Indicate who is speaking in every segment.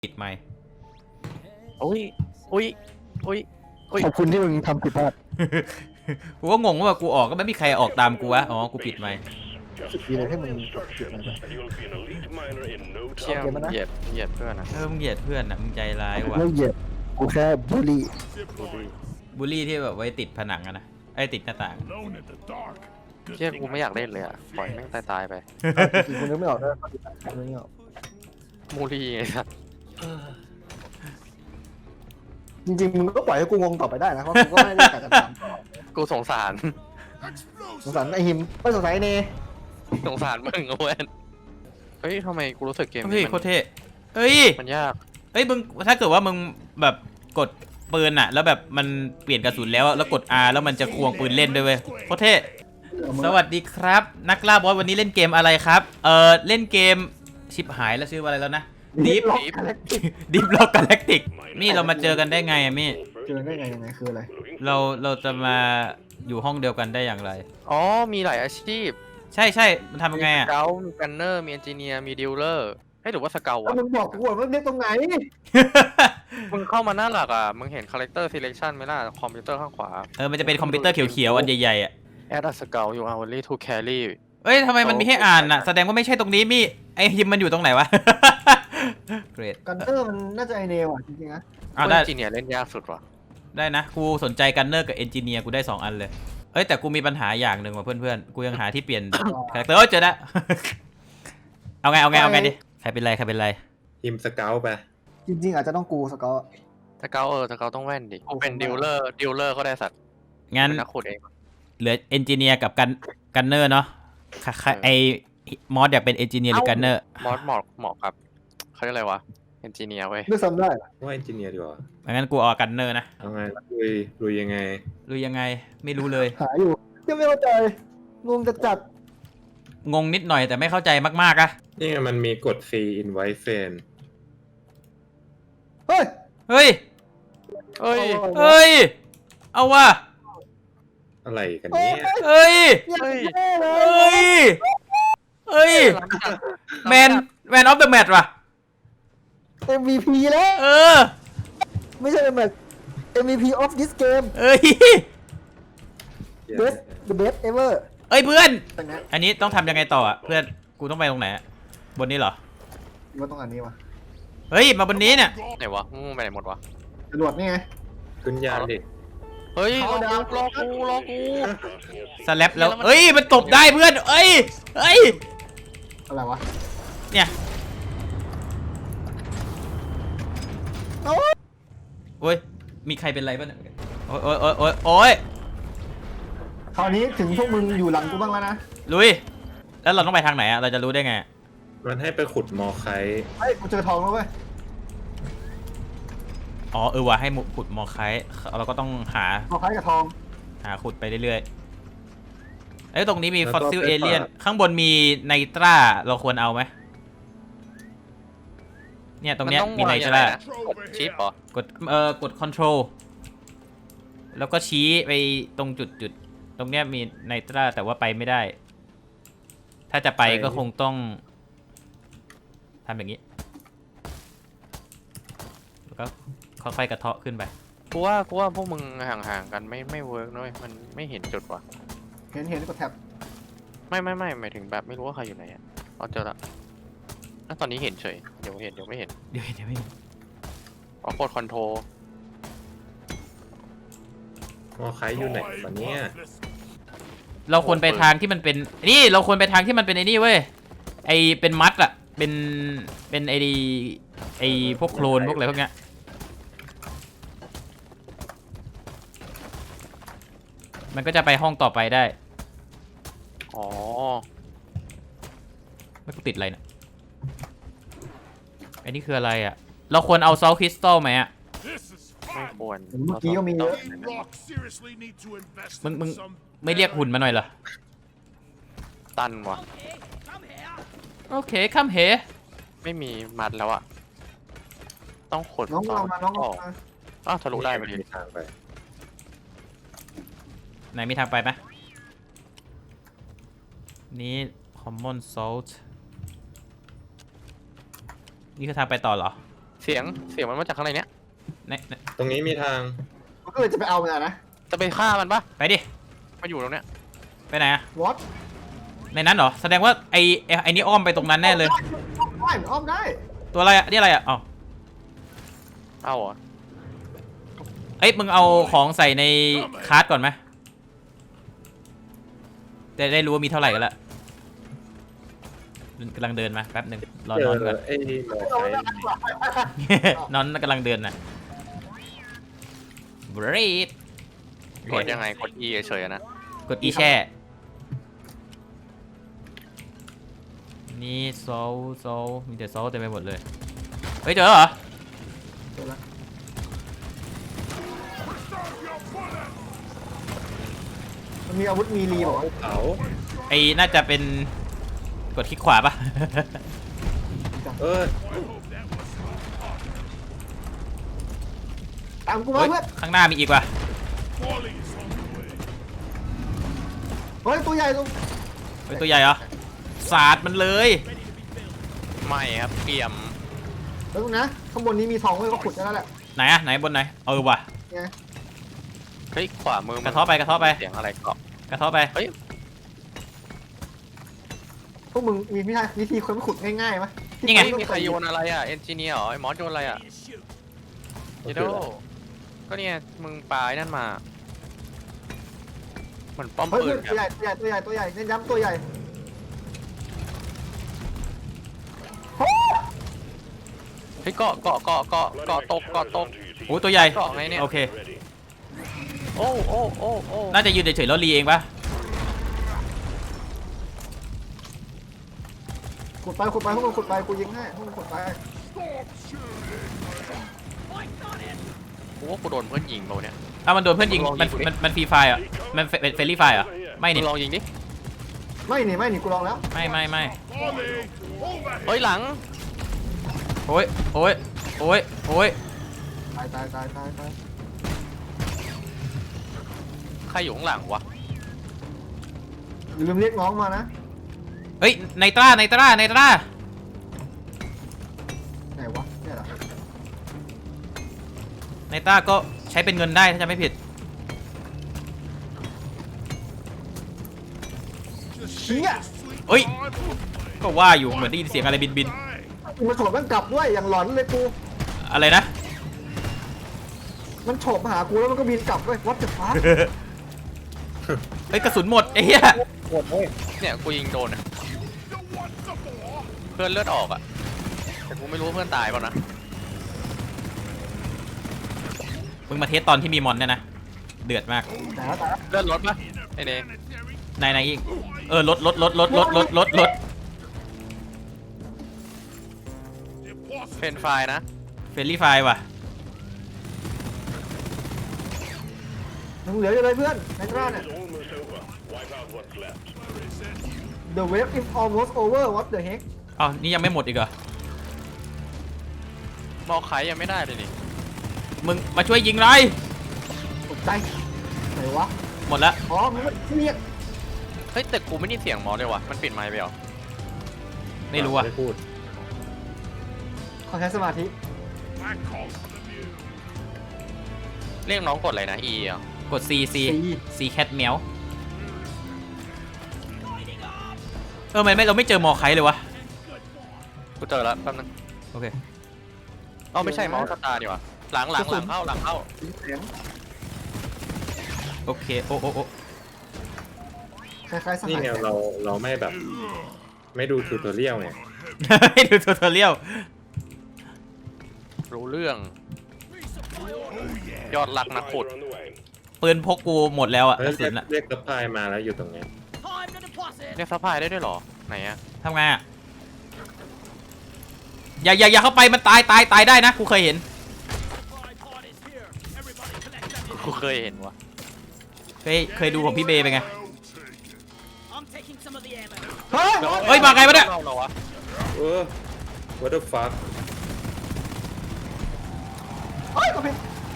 Speaker 1: ปิดไมค์
Speaker 2: อุ้ยอุ้ยอุ้ยอุ้ย
Speaker 3: ขอบคุณที่มึงทำผิดพลาด
Speaker 1: กูก็งงว่ากูออกก็ไม่มีใครออกตามกูวะอ๋อกูปิดไมค์
Speaker 3: สุดดีเลยที่มึงผิดมันไป
Speaker 2: เชี่ยมึงเหยียดเพื่อนนะ
Speaker 1: มึงเหยียดเพื่อนนะมึงใจร้ายว่ะ
Speaker 3: ไม่เหยียดกูแค่บูลลี่
Speaker 1: บูลลี่ที่แบบไว้ติดผนังอะนะไอ้ติดหน้าต่าง
Speaker 2: เชี่ยกูไม่อยากเล่นเลยอ่ะปล่อยแม่งตายไป
Speaker 3: จริงๆคุณนึกไม่ออกด้วยนึกไม่ออก
Speaker 2: มูลี่ไงครับ
Speaker 3: จริงๆมึงก็ปล่อยให้กูงงต่อไปได้นะเพราะกูก็ไม่ได้การจะถามต่อ
Speaker 2: กูสงสาร
Speaker 3: สงสารไอหิมไม่สงสารไอเน
Speaker 2: สงสารมึงเว้ยเฮ้ยทำไมกูรู้สึกเกม
Speaker 1: เฮ้ย
Speaker 2: นี้
Speaker 1: โคตรเท่เอ้ย
Speaker 2: มันยาก
Speaker 1: เอ้ยมึงถ้าเกิดว่ามึงแบบกดปืนอะแล้วแบบมันเปลี่ยนกระสุนแล้วกด R แล้วมันจะควงปืนเล่นด้วยเว้ยโคตรเท่สวัสดีครับนักล่าบอสวันนี้เล่นเกมอะไรครับเล่นเกมชิบหายแล้วชื่อว่าอะไรแล้วนะ Deep
Speaker 3: ล็อกกาแล็กติก
Speaker 1: Deep Rock Galactic มี่เรามาเจอกันได้ไงอะมี่
Speaker 3: เจอได้ไงยังไงคืออะไร
Speaker 1: เราจะมาอยู่ห้องเดียวกันได้อย่างไร
Speaker 2: อ๋อมีหลายอาชีพ
Speaker 1: ใช่มันทำยังไงอะ
Speaker 2: มีสเกลมีกันเนอร์มีเอนจิเนียร์มีดีลเลอร์ให้หรือว่าสเกล
Speaker 3: แล้ว
Speaker 2: วะ
Speaker 3: มึงบอกกูว่าเรียกตรงไหน
Speaker 2: มึงเข้ามาหน้าหลักอ่ะมึงเห็น character selection ไหมล่ะคอมพิวเตอร์ข้างขวา
Speaker 1: มันจะเป็นคอมพิวเตอร์เขียวๆอันใหญ่ๆอ่ะ
Speaker 2: add a skill you are only to carry
Speaker 1: เอ้ยทำไมมันมีให้อ่านอ่ะแสดงว่าไม่ใช่ตรงนี้มี่ไอฮิมมันอยู่ตรงไหนวะ เกรด
Speaker 3: กันเตอร์มันน่าจะไอเนว่ะจริงๆนะ
Speaker 1: ได้
Speaker 2: เอนจิเนียร์เล่นยากสุดว่ะ
Speaker 1: ได้นะกูสนใจกันเนอร์กับเอนจิเนียร์กูได้2อันเลยเอ้ยแต่กูมีปัญหาอย่างหนึ่งว่ะเพื่อนๆกูยังหาที่เปลี่ยนคาแรคเตอร์เจอแล้ว เอาไงดิใครเป็นไร
Speaker 4: ทีมสเกลไป
Speaker 3: จริงๆอาจจะต้องกูสกอต
Speaker 2: สเกลสเกลต้องแว่นดิกูเป็นดีลเลอร์ก็ได้สัตว์
Speaker 1: งั้น
Speaker 2: เป็นนักขุดเอง
Speaker 1: เหลือเอนจิเนียร์กับกันเนอร์เนาะไอมอสอยากเป็นเอนจิเนียร์หรือกันเนอร์
Speaker 2: มอสเหมาะกับเขาเรียกอะไรวะเอนจิเนียร์เว้ย
Speaker 3: ด้วยซ้ำได้
Speaker 4: ว่าเอนจิเนียร์ดีกว่า
Speaker 1: งั้นกูเอากันเนอร์นะ
Speaker 4: เอาไงลุยยังไง
Speaker 1: รู้ยังไงไม่รู้เลย
Speaker 3: หาอยู่ยังไม่เข้าใจงงจะจัด
Speaker 1: งงนิดหน่อยแต่ไม่เข้าใจมากๆอะ
Speaker 4: นี่ไงมันมีกดฟรี invite friend
Speaker 3: เฮ้ย
Speaker 1: เฮ้ย
Speaker 2: เอ้ย
Speaker 1: เฮ้ย เอาว่ะ
Speaker 4: อะไรกันเนี่ย
Speaker 1: เฮ้ย
Speaker 2: เฮ้ย
Speaker 1: เฮ้ย เฮ้ย แมนออฟเดอะแมตช์ว่ะ
Speaker 3: MVP แล้ว
Speaker 1: เออ
Speaker 3: ไม่ใช่แบบ MVP of this game
Speaker 1: เอ้ย
Speaker 3: best the best ever
Speaker 1: เอ้ยเพื่อน
Speaker 3: ตรงนี้
Speaker 1: อันนี้ต้องทำยังไงต่ออ่ะเพื่อน กูต้องไปตรงไหนอะบนนี้เหรอ
Speaker 3: ว่าต้องอันนี้วะ
Speaker 1: เฮ้ย มาบนนี้เนี่ย
Speaker 2: ไหนวะมึงไปไหนหมดวะ
Speaker 3: จรวดนี่ไง
Speaker 4: ขึ้นยานดิ
Speaker 2: เฮ้ยร
Speaker 3: เอาดาว
Speaker 2: อกู
Speaker 1: สแลปแล้ว เอ้ย มันตบได้เพื่อน เอ้ย
Speaker 3: อะไรวะ
Speaker 1: เนี่ย
Speaker 3: เอ้า
Speaker 1: โอ้ย มีใครเป็นไรบ้างเนี่ยโอ้ย
Speaker 3: คราวนี้ถึงพวกมึงอยู่หลังกูบ้างแล้วนะ
Speaker 1: ลุย แล้วเราต้องไปทางไหนอ่ะ เราจะรู้ได้ไง
Speaker 4: มันให้ไปขุดมอไคต์
Speaker 3: เฮ้ยกูเจอทองแล้วเว้ย
Speaker 1: อ๋อว่ะให้ขุดมอไคต์เราก็ต้องหา
Speaker 3: ทองคล้ายกับทอง
Speaker 1: ขุดไปเรื่อยๆเอ้ยตรงนี้มีฟอสซิลเอเลียนข้างบนมีไนตราเราควรเอาไหมเนี่ยตรงเนี้ยมีไนตราก
Speaker 2: ดชิปเหรอก
Speaker 1: ด control แล้วก็ชี้ไปตรงจุดตรงเนี้ยมีไนตราแต่ว่าไปไม่ได้ ถ้าจะไปก็คงต้องทำอย่างนี้แล้วก็ค่อยๆกระเทาะขึ้นไป
Speaker 2: กูว่าพวกมึงห่างๆกันไม่เวิร์กนะเว้ยมันไม่เห็นจุดว่ะ
Speaker 3: เห็นกดแท็บ
Speaker 2: ไม่หมายถึงแบบไม่รู้ว่าใครอยู่ไหนอ่ะเอาเจอละแล้วตอนนี้เห็นเฉยเดี๋ยวไม่เห็น
Speaker 1: เดี๋ยวไม่
Speaker 2: อ๋อกดคอนโทร
Speaker 4: มอไคต์อยู่ไหนวะเนี่ย
Speaker 1: เราควรไปทางที่มันเป็นนี่เราควรไปทางที่มันเป็นไอ้นี่เว้ยไอเป็นมัดอะเป็นไอพวกโคลนพวกอะไรพวกเนี้ยมันก็จะไปห้องต่อไปได้
Speaker 2: อ๋อ
Speaker 1: ไม่กูติดอะไรเนี่ยไอ้นี่คืออะไรอะเราควรเอาซอลคริสตัลไหมอะ
Speaker 2: ไม่ควร
Speaker 3: เมื่อกี้ก็มีเยอะ
Speaker 1: มึงไม่เรียกหุ่นมาหน่อยเหรอ
Speaker 2: ตันว่ะ
Speaker 1: โอเคคัมเฮ
Speaker 2: ไม่มีมัดแล้วอ่ะต้องขด
Speaker 3: น้องลองมาน้องลองมา
Speaker 2: อ้าวทะลุได้พอดี
Speaker 4: มีทางไป
Speaker 1: ไหนมีทางไปไหมนี่ common salt นี่คือทางไปต่อเหรอ
Speaker 2: เสียงมันมาจากข้างในเนี้ย
Speaker 1: ไหน
Speaker 4: ตรงนี้มีทาง
Speaker 3: มันก็เลยจะไปเอามันนะ
Speaker 2: จะไปฆ่ามันปะ
Speaker 1: ไปดิ
Speaker 2: มาอยู่ตรงเนี้ย
Speaker 1: ไปไหนอะ
Speaker 3: วอต
Speaker 1: ในนั้นเหรอแสดงว่าไอ้นี่อ้อมไปตรงนั้นแน่เลย
Speaker 3: ได้มันอ้อมได้
Speaker 1: ตัวอะไรอะนี่อะไรอะอ๋อ
Speaker 2: เอาเหรอ
Speaker 1: เอ้ยมึงเอาของใส่ในคาร์ทก่อนไหมจะได้รู้ว่ามีเท่าไหร่กันละกำลังเดินมาแป๊บหนึ่งรอ
Speaker 4: เจ
Speaker 1: น
Speaker 4: อ
Speaker 1: อนก่อน
Speaker 4: ไอ้มอไซค์
Speaker 1: นอนกำลังเดินนะบรีด
Speaker 2: กดยังไงกด E เฉยๆนะ
Speaker 1: กดอีแช่นี่โซลมีแต่โซลเต็มไปหมดเลยเฮ้ยเจอเหรอ
Speaker 3: เดี๋ยวนะมันมีอาวุธมีรีบอกว่า
Speaker 4: เขา
Speaker 1: ไอ้น่าจะเป็นกดคลิกขวาปะ
Speaker 4: เออ
Speaker 3: ตามกูมา
Speaker 1: เฮ้ย
Speaker 3: เพื่อน
Speaker 1: ข้างหน้ามีอีกว่ะ
Speaker 3: เฮ้ยตัวใหญ่ตัว
Speaker 1: เฮ้ยตัวใหญ่เหรอสาดมันเลย
Speaker 2: ไม่ครับเกรียม
Speaker 3: แล้วนะข้างบนนี้มีทองไว้ก็ขุดได้แล้วแหละ
Speaker 1: ไหนอะไหนบนไหนเออว่ะ
Speaker 3: ไง
Speaker 2: เฮ้ยขวามือมัน
Speaker 1: กระเทาะไปกระเทาะไป
Speaker 2: เสียงอะไรเกาะ
Speaker 1: กระเทาะไป
Speaker 3: พวกมึงมีวิธีคนขุดง่ายๆไหม
Speaker 1: นี่ไง
Speaker 2: เฮ้ยมีใครโยนอะไรอ่ะเอนจิเนียร์เหรอไอ้มอสโยนอะไรอ่ะเจโดก็เนี่ยมึงปลายนั่นมาเหมือนป้อม
Speaker 3: เฮ้ย
Speaker 2: ปืน
Speaker 3: ตัวใหญ่ตัวใหญ่เน้นย้ำตัวใหญ่
Speaker 2: เฮ้ยเกาะตก
Speaker 1: โอ้ตัวใหญ่
Speaker 2: เกาะไงเนี่ย
Speaker 1: โอเค
Speaker 2: โอ้
Speaker 1: น่าจะยืนเฉยๆแล้วรีเองปะ
Speaker 3: ขุดไปพวกมึงขุดไปกูยิงให้พวกมึงขุดไป
Speaker 2: กูว่ากูโดนเพื่อนยิงเปล่าเนี่ย
Speaker 1: ถ้ามันโดนเพื่อนยิง
Speaker 2: ลองยิงกูดิ
Speaker 1: มันฟรีไฟร์อ่ะมันเฟรนลี่ไฟร์อ่ะไม่
Speaker 2: มึ
Speaker 1: นี่
Speaker 2: งลองยิงดิ
Speaker 3: ไม่หนีกูลองแล้ว
Speaker 1: ไม่
Speaker 2: เฮ้ยหลัง
Speaker 1: โอ้ยโอ้ยโอ้ยโอ้ย
Speaker 3: ตาย
Speaker 2: ใครอยู่ข้างหลังวะ
Speaker 3: อย่าลืมเรียกน้องมานะ
Speaker 1: เฮ้ยไนตรา
Speaker 3: ไหนวะเนี่ยเหรอ
Speaker 1: ไนตราก็ใช้เป็นเงินได้ถ้าจะไม่ผิด
Speaker 3: เชี่ย
Speaker 1: เฮ้ยก็ว่าอยู่เหมือนได้ยินเสียงอะไรบิน
Speaker 3: มันโฉบมันกลับด้วยอย่างหลอนเลยกู
Speaker 1: อะไรนะ
Speaker 3: มันโฉบมาหากูแล้วมันก็บินกลับด้วย what the fuck
Speaker 1: เฮ้ยกระสุนหมดไอ้เหี้ย
Speaker 2: เนี่ยกูยิงโดนอะเพื่อนเลือดออกอะแต่กูไม่รู้ว่าเพื่อนตายเปล่านะ
Speaker 1: มึงมาเทสตอนที่มีมอนเนี่ยนะเดือดมาก
Speaker 3: แต่แล้ว
Speaker 2: เลือดลดปะไอ้เนย
Speaker 1: ไหนอีกลด
Speaker 2: เฟรนไฟนะ
Speaker 1: เฟรนลี่ไฟร์ว่ะ
Speaker 3: ยังเหลืออยู่เลยเพื่อนในกล้าเนี่ย The wave is almost over what the heck
Speaker 1: อ้าวนี่ยังไม่หมดอีกเหรอ
Speaker 2: มอไขยังไม่ได้เลยนี่
Speaker 1: มึงมาช่วยยิงเลย
Speaker 3: ตกใจไหนวะ
Speaker 1: หมดแล้ว
Speaker 3: อ๋อมันเรียก
Speaker 2: เฮ้ยแต่กูไม่ได้เสียงมอเลยวะมันปิดไมค์ไปเหรอ
Speaker 1: ไม่รู้อ่ะ
Speaker 4: ไม่พูด
Speaker 3: ขอใช้สมาธิ
Speaker 2: เรียกน้องกดอะไรนะ E อ่ะ
Speaker 1: กด Cแคทแมวไม่เราไม่เจอมอไคเลยวะ
Speaker 2: กูเจอแล้วแป๊บนึง
Speaker 1: โอเค
Speaker 2: เอ้าไม่ใช่เมาส์สตาร์ดีกว่าหลังเข้า
Speaker 3: เสียง
Speaker 1: โอเคโอ้
Speaker 3: คล้ายๆส
Speaker 4: นี่
Speaker 3: หาย
Speaker 4: ไงเราไม่แบบ ไม่ดูทูตอเรียลไง
Speaker 1: ให้ดูทูตอเรียล
Speaker 2: รู้เรื่อง ยอดรักนักขุด
Speaker 1: ปืนพกกูหมดแล้วอ่ะ
Speaker 4: เฮ้
Speaker 1: ก
Speaker 4: ย
Speaker 1: ระสุนอ่ะ
Speaker 4: เรียกซัพพลายมาแล้วอยู่ตรงเนี้ย
Speaker 2: เรียกซัพพลายได้ด้วยเหรอไหนอะ
Speaker 1: ทำไงอ่ะอย่าเข้าไปมันตายได้นะกูเคยเห็น
Speaker 2: กูเคยเห็นวะ
Speaker 1: เคยดูของพี่เบย์ไปไง
Speaker 3: เฮ้ย
Speaker 1: เฮ้ยมาไงวะเนี่ย
Speaker 2: เล่าเราวะ
Speaker 4: what the fuck
Speaker 3: เฮ้ยก็เป็น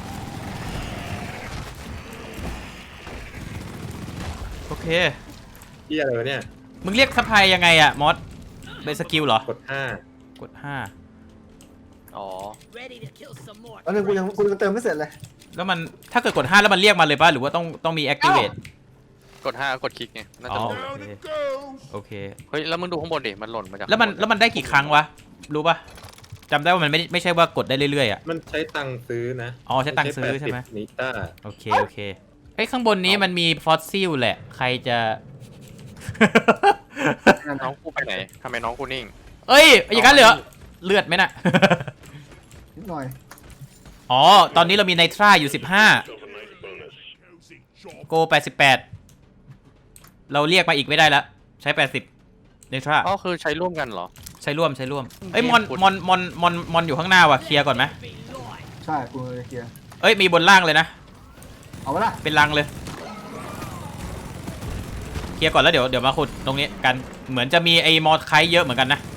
Speaker 1: โอเค
Speaker 4: ที่อะไรวะเนี่ย
Speaker 1: มึงเรียกซัพพลายยังไงอ่ะมอสเป็นสกิลเหรอ
Speaker 4: กด
Speaker 1: กด5
Speaker 2: อ๋อ
Speaker 3: แล้วนึงกูยังเติมไม่เสร็จเลย
Speaker 1: แล้วมันถ้าเกิดกด5แล้วมันเรียกมาเลยป่ะหรือว่าต้องมี activate
Speaker 2: กด5กดคลิกไงน่า
Speaker 1: อ๋
Speaker 2: จะ
Speaker 1: อ
Speaker 2: ลง
Speaker 1: โอเค
Speaker 2: เฮ้ยแล้วมึงดูข้างบนดิมันหล่นมาจาก
Speaker 1: แล้วมันได้กี่ครั้งวะรู้ป่ะจำได้ว่ามันไม่ใช่ว่ากดได้เรื่อยๆอ่ะ
Speaker 4: มันใช้ตังค์ซื้อนะ
Speaker 1: อ๋อใช้ตังค์ซื้อใช่ไหม
Speaker 4: นิต้า
Speaker 1: โอเคเอ้ยข้างบนนี้มันมีฟอสซิลแหละใครจะ
Speaker 2: น้องกูไปไหนทำไมน้องกูนิ่ง
Speaker 1: เอ้ยอย่างนั้นเลยเหรอเลือดไหมน่ะ
Speaker 3: นิดหน่อย
Speaker 1: อ๋อตอนนี้เรามีไนทราอยู่15โก88เราเรียกมาอีกไม่ได้แล้วใช้80ไนทรา
Speaker 2: อ๋อคือใช้ร่วมกันเหรอ
Speaker 1: ใช้ร่วมเอ้ยมอนอยู่ข้างหน้าว่ะเคลียร์ก่อนไหม
Speaker 3: ใช่กูจะเคลียร์
Speaker 1: เอ้ยมีบนล่างเลยนะ
Speaker 3: เอาไว้ละ
Speaker 1: เป็นรังเลยเคลียร์ก่อนแล้วเดี๋ยวมาขุดตรงนี้กันเหมือนจะมีไอ้มอดไคเยอะเหมือนกันนะ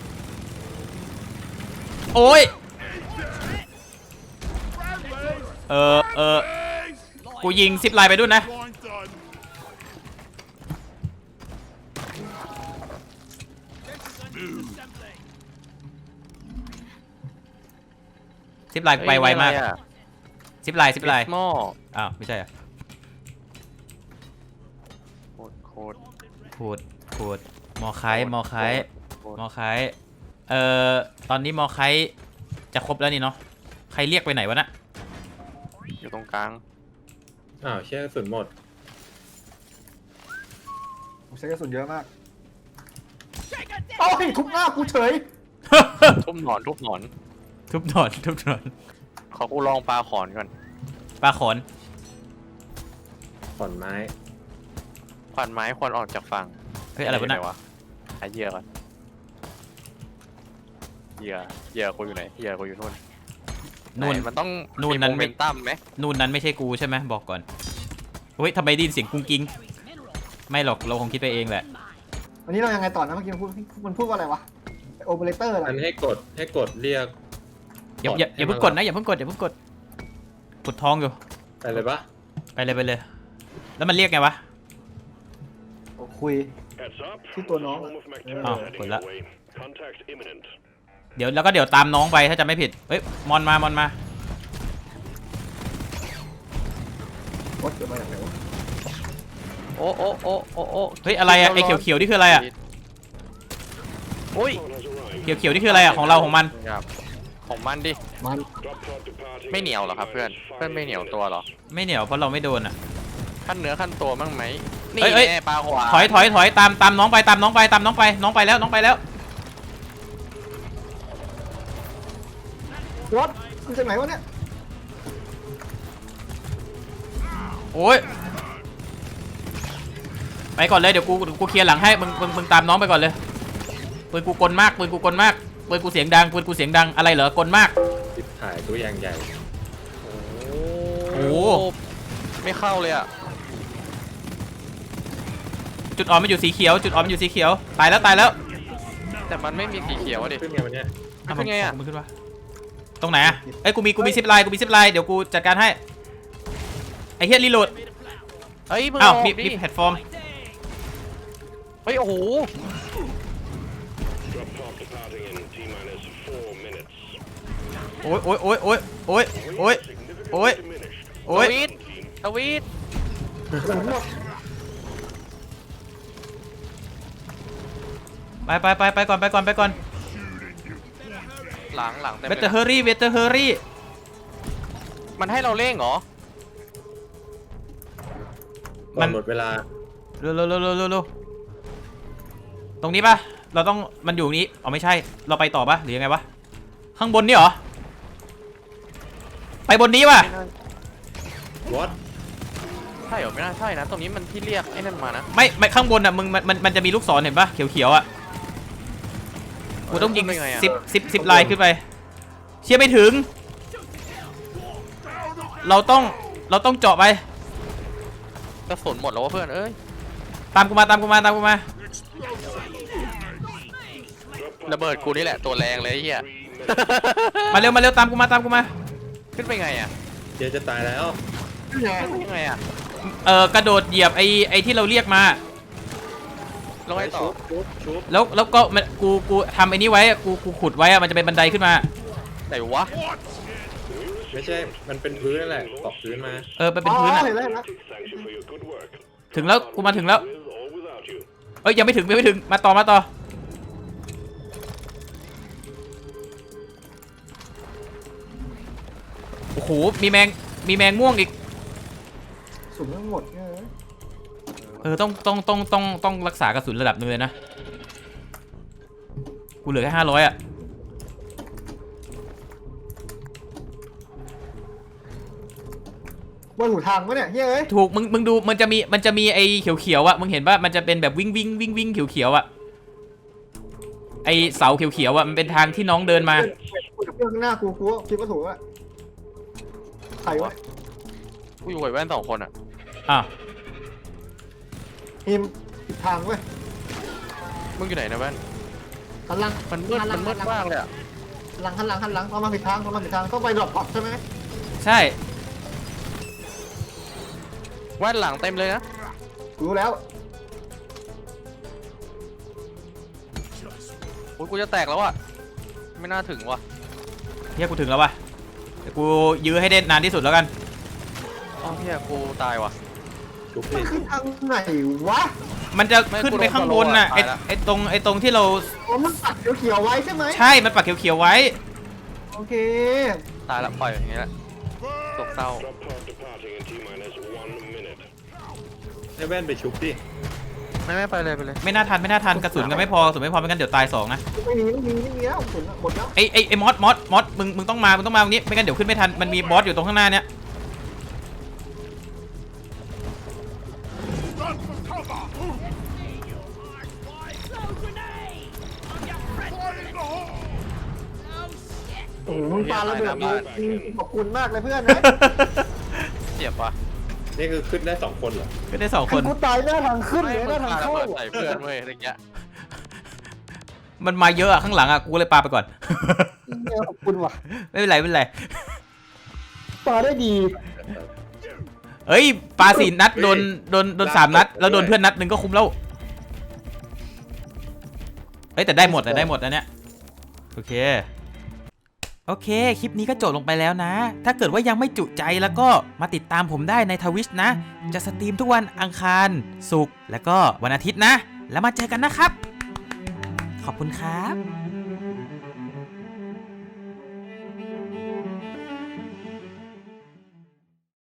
Speaker 1: โอ้ยกูยิงซิปไลน์ไปด้วยนะซิปไลน์ไปไวมากซิปไลน์
Speaker 2: หม้อ
Speaker 1: อ้าวไม่ใช่อ่ะ
Speaker 2: โคตร
Speaker 1: พูดมอไคตอนนี้มอไคจะครบแล้วนี่เนาะใครเรียกไปไหนวะน่ะ
Speaker 2: อยู่ตรงกลาง
Speaker 4: อ้าวเชื่อกระสุนหมด
Speaker 3: ผมใช้กระสุนเยอะมากเอาให้ทุบหน้ากูเฉย
Speaker 2: ทุบหนอน
Speaker 1: ทุบหนอน
Speaker 2: ขอกูลองปลาขอนก่อน
Speaker 1: ปลาขอน
Speaker 4: ขอนไม้
Speaker 2: ขวานไม้ควรออกจากฝั่ง
Speaker 1: เฮ้ยอะไรวะน่ะ
Speaker 2: หาเหยื่อก่อนเหยื่อกูอยู่ไหนเหยื่อกูอยู่นู่น
Speaker 1: นู่น
Speaker 2: ไหมันต้อง
Speaker 1: นู่น
Speaker 2: มี
Speaker 1: นั้น
Speaker 2: โมเมนตัมไหม
Speaker 1: นู่นนั้นไม่ใช่กูใช่ไหมบอกก่อนเฮ้ยทำไมได้ยินเสียงกุ้งกิ้งไม่หรอกเราคงคิดไปเองแหละ
Speaker 3: วันนี้เรายังไงต่อนะเมื่อกี้มันพูดว่าอะไรวะโอเปอเรเตอร์อะไร
Speaker 4: อันให้กดเรียก
Speaker 1: อย่าเพิ่งกดนะอย่าเพิ่งกดกดท้องอยู่
Speaker 4: ไปเลยปะ
Speaker 1: ไปเลยแล้วมันเรียกไงวะ
Speaker 3: คุยที่ตัวน้อง
Speaker 1: อ้าวกดละเดี๋ยวตามน้องไปถ้าจะไม่ผิดเฮ้ยมอนมา
Speaker 3: วัดเกิดมาจากไหนวะ
Speaker 2: โอ้
Speaker 1: เฮ้ยอะไรอะไอเขียวนี่คืออะไรอะ
Speaker 2: โอ้ย
Speaker 1: เขียวนี่คืออะไรอะของเราของมัน
Speaker 2: ครับของมันดิ
Speaker 3: มัน
Speaker 2: ไม่เหนียวเหรอครับเพื่อนไม่เหนียวตัวเหรอ
Speaker 1: ไม่เหนียวเพราะเราไม่โดนอะ
Speaker 2: ขั้นเนื้อขั้นตัวบ้างไหมนี่
Speaker 1: เอ้ย
Speaker 2: แน่ปลาขวา
Speaker 1: ถอยตามน้องไปน้องไปแล้ว
Speaker 3: วัดมันจากไหนวะเนี่ย
Speaker 1: โอ้ยไปก่อนเลยเดี๋ยวกูเคลียร์หลังให้มึงตามน้องไปก่อนเลยปืนกูกลมากปืนกูเสียงดังอะไรเหรอกลมาก
Speaker 4: ติดถ่ายตัวอย่างใหญ่
Speaker 1: โอ้
Speaker 2: ไม่เข้าเลยอ่ะ
Speaker 1: จุดอ่อนมันอยู่สีเขียวตายแล้ว
Speaker 2: แต่มันไม่มีสีเขียวอะดิ
Speaker 4: ขึ้นไงวันเนี้ย
Speaker 2: มันขึ้นไงอะ
Speaker 1: มึงขึ้นวะตรงไหนอะเอ้ยกูมีซิปไลน์เดี๋ยวกูจัดการให้ไอ้เฮียรีโหลด
Speaker 2: เฮ้ยมึง
Speaker 1: อ้าว
Speaker 2: ออก
Speaker 1: มี
Speaker 2: ดิ
Speaker 1: แพลตฟอร์ม
Speaker 2: เฮ้ยโอ้โห
Speaker 1: โอ้ย
Speaker 2: ทวีต
Speaker 1: ไปก่อน
Speaker 2: หลังเต็ม
Speaker 1: เว
Speaker 2: เล
Speaker 1: เตอร์เฮอรี่
Speaker 2: มันให้เราเร่งเหรอ
Speaker 4: ก่อนหมดเวลา
Speaker 1: เร็วตรงนี้ป่ะเราต้องมันอยู่นี้อ๋อไม่ใช่เราไปต่อป่ะหรือยังไงวะข้างบนนี่เหรอไปบนนี้ป่ะ
Speaker 4: What
Speaker 2: ใช่เหรอไม่น่าใช่นะตรงนี้มันที่เรียกไอ้นั่นมานะ
Speaker 1: ไม่ข้างบนอ่ะมึงมันจะมีลูกศรเห็นป่ะเขียวอ่ะกูต้องยิง10ลายขึ้นไปเชี่ยไม่ถึงเราต้องเจาะไป
Speaker 2: กระสุนหมดแล้ววะเพื่อนเอ้ย
Speaker 1: ตามกูมา
Speaker 2: ระเบิดกูนี่แหละตัวแรงเลยไอ้เหี้ย
Speaker 1: มาเร็วตามกูมา
Speaker 2: ขึ้นไปไงอ่ะ
Speaker 4: เจ๊จะตายแล้ว
Speaker 2: ขึ้นไปยังไงอ่ะ
Speaker 1: กระโดดเหยียบไอ้ที่เราเรียกมา
Speaker 2: ลงไปต่อ
Speaker 4: ชุบ
Speaker 1: แล้วก็มันกูทำไอ้นี้ไว้อะกูขุดไว้อะมันจะเป็นบันไดขึ้นมา
Speaker 2: ไหนวะ
Speaker 4: ไม่ใช่มันเป็นพื้นนั่นแหละตอกพื้นมา
Speaker 1: มันเป็นพื้นอะ
Speaker 3: เห็นแล้วเห็นแล้ว
Speaker 1: ถึงแล้วกูมาถึงแล้วเอ้ยยังไม่ถึงมาต่อโอ้โหมีแมงม่วงอีก
Speaker 3: สุ่มทั้งหมดเนี่ย
Speaker 1: ต้องรักษากระสุนระดับนึงเลยนะกูเหลือแค่500อ่ะ
Speaker 3: บนหูทางปะเนี่ยเฮ้ย
Speaker 1: ถูกมึงดูมันจะมีไอ้เขียวๆอ่ะมึงเห็นป่ะมันจะเป็นแบบวิ่งเขียวๆอ่ะไอ้เสาเขียวๆอ่ะมันเป็นทางที่น้องเดินมา
Speaker 3: คุยกับเพื่อนข้างหน้ากูคิดว่าถูกอะใครวะ
Speaker 2: กูอยู่กับแว่น2 คนอ่ะ
Speaker 1: อ้าว
Speaker 3: ทีมผิดทางเว้ย
Speaker 2: มึงอยู่ไหนนะแว่น
Speaker 3: หันหลัง
Speaker 2: มันมืดมากเลยอ่ะ
Speaker 3: หันหลังเรามาผิดทางต้องไปดรอปพอตใช่ไหม
Speaker 1: ใช่
Speaker 2: แว่นหลังเต็มเลยนะ
Speaker 3: รู้แล้ว
Speaker 2: โอ้ยกูจะแตกแล้วอ่ะไม่น่าถึงว่ะ
Speaker 1: เฮียกูถึงแล้วว่ะเดี๋ยวกูยื้อให้ได้นานที่สุดแล้วกัน
Speaker 2: อ้าวเฮียกูตายว่ะ
Speaker 4: ชุบ
Speaker 3: มั
Speaker 4: ดิ
Speaker 3: นคือทางไหนวะ
Speaker 1: มันจะขึ้นไปข้างบนน่ะ
Speaker 2: ไม่กูโดน
Speaker 1: ไอ้ตรงที่เรา
Speaker 3: อ๋อมันปัดเขียวๆไว้ใช่ไหม
Speaker 1: ใช่มันปักเขียวๆไว้
Speaker 3: โอเค
Speaker 2: ตายแล้วปล่อยอย่างงี้แหละตกเศร้า
Speaker 4: ให้แว่นไปชุบดิ
Speaker 2: ไม่ไปเลย
Speaker 1: ไม่น่าทันกระสุนกันไม่พอกระสุนไม่พอไม่งั้นเดี๋ยวตาย2นะ
Speaker 3: ไม่มีแล้วหมดแล้ว
Speaker 1: ไอ้มอสมึงต้องมาตรงนี้ไม่งั้นเดี๋ยวขึ้นไม่ทันมันมีบอสอยู่ตรงข้างหน้าเนี้ย
Speaker 3: โอ้โหมึงปาระเบิดเลยขอบคุณมากเลยเพื่อนนะ
Speaker 2: เจ็บว่ะ
Speaker 4: นี่คือขึ้นได้2 คนเหรอ
Speaker 1: ขึ้นได้2 ค
Speaker 3: คือน กูตายหน้าทางขึ้นเลยหน้าทาง
Speaker 2: ระ
Speaker 3: เข้า
Speaker 2: เบิดใส่เพื่อนเว้ยอะไรเงี้ย
Speaker 1: มันมาเยอะอะข้างหลังอะกูเลยปาไปก่อน
Speaker 3: ขอบคุณว่ะ
Speaker 1: ไม่เป็นไร
Speaker 3: ปาได้ดี
Speaker 1: เอ้ยปา4 นัดโดน3 นัดแล้วโดนเพื่อนนัดหนึ่งก็คุ้มแล้วเอ้ยแต่ได้หมดนะเนี่ยโอเคคลิปนี้ก็จบลงไปแล้วนะถ้าเกิดว่ายังไม่จุใจแล้วก็มาติดตามผมได้ใน Twitch นะจะสตรีมทุกวันอังคารศุกร์แล้วก็วันอาทิตย์นะแล้วมาเจอกันนะครับขอบคุณครับ